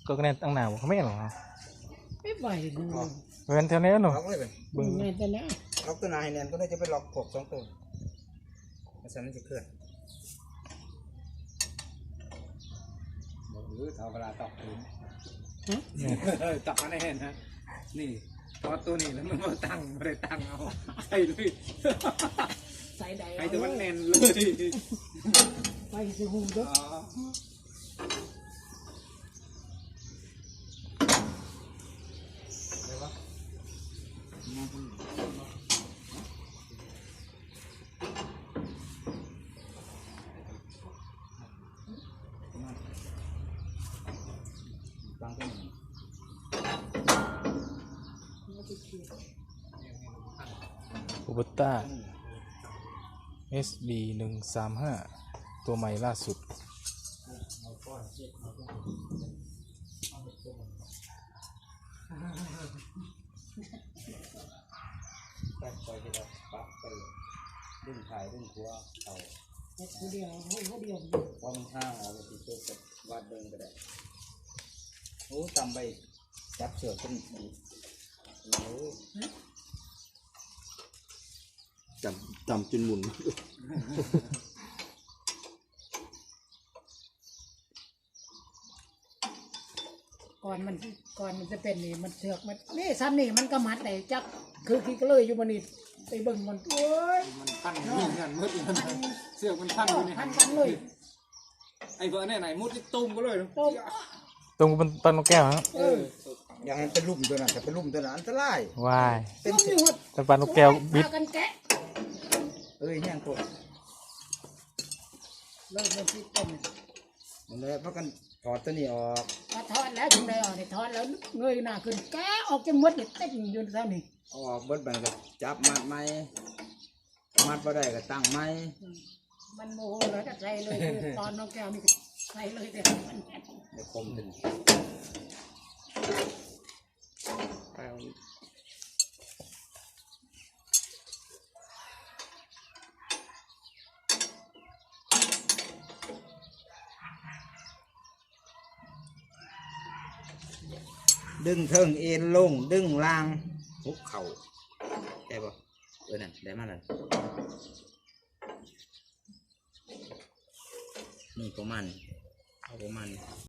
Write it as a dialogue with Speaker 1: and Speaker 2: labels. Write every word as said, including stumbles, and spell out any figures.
Speaker 1: ก็แน่ตั้งหนาวเขาไม่หรอ
Speaker 2: ไม่ไหวดู
Speaker 1: เป็นเท่านี้หรอ
Speaker 3: ล็อกเลยเป็น
Speaker 2: บึ้งไงแต่เนี้ย
Speaker 3: ล็อกตัวนายแนนก็ได้จะไปล็อกพวกสองตัวมันสั่นจะเคลื่อนหรือเอาเวลาตอกพื้นตอกมาแน่นะนี่พอตัวนี้แล้วมันมาตั้งไม่ได้ตั้งเอาใส่เลย
Speaker 2: ใส่ใด
Speaker 3: ไอ้ตัวมันแน่นเลย
Speaker 2: ไปสิหูด้วย
Speaker 1: คูเบต้า เอส บี หนึ่งสามห้า ตัวใหม่ล่าสุด
Speaker 3: ไปไปที่เราปักไปดึงถ่ายดึงหัวเอา
Speaker 2: เขาเดียวเขาเดียว
Speaker 3: พอมันห้างเอาไปติดตัวกับวาดเบิ้งก็ได้โอ้จำไปจับเสือขึ้นอีกโอ้จำจำจนหมุน
Speaker 2: ก่อนมันก่อนมันจะเป็นนี่มันเสือกมันนี่ซ้ำนี่มันก็มัดแต่จักคือคิดก็เลยอยู่มันนี่ไปเบิ่งมันโอ้ย
Speaker 3: มันพันนี่กันมืดมันเสือกมันพันอยู่นี่
Speaker 2: พันกันเลย
Speaker 3: ไอ้เบอร์เนี่ยไหนมุดที่ตุ้มก็เลย
Speaker 2: ตุ้ม
Speaker 1: ตรงบนต้นนกแก้วครับ
Speaker 3: อย่างนั้นเป็นลุ่มตัวนั้นแต่เป็นลุ่มตัวนั้นอันตราย
Speaker 1: ว้าย
Speaker 3: เป็น
Speaker 1: ต้นปลานกแก้วบิด
Speaker 2: กันแกะ
Speaker 3: เอ้ยแห้งตัว
Speaker 2: เลิกมันที่ต้น
Speaker 3: มันเลยเพราะกันถอดตัวนี้ออก
Speaker 2: ถอดแล้วถึงได้ออกเนี่ยถอดแล้วเงยหน้าขึ้นแกะออกจะมดเนี่ยเต้นอยู่เท่านี้
Speaker 3: ออกเบิดบันก็จับมัดไม้มัดพอได้ก็ตั้งไม้
Speaker 2: มันโมโหเลยก็ใส่เลยตอนน้องแก้วนี่ใส่เลยแต่มัน
Speaker 3: เดี๋ยวคมถึงดึงเทิงเอ็นลงดึงล่างหุบเข่าได้ปะเออนั่นได้มาแล้วนี่ประมาณเอาประมาณ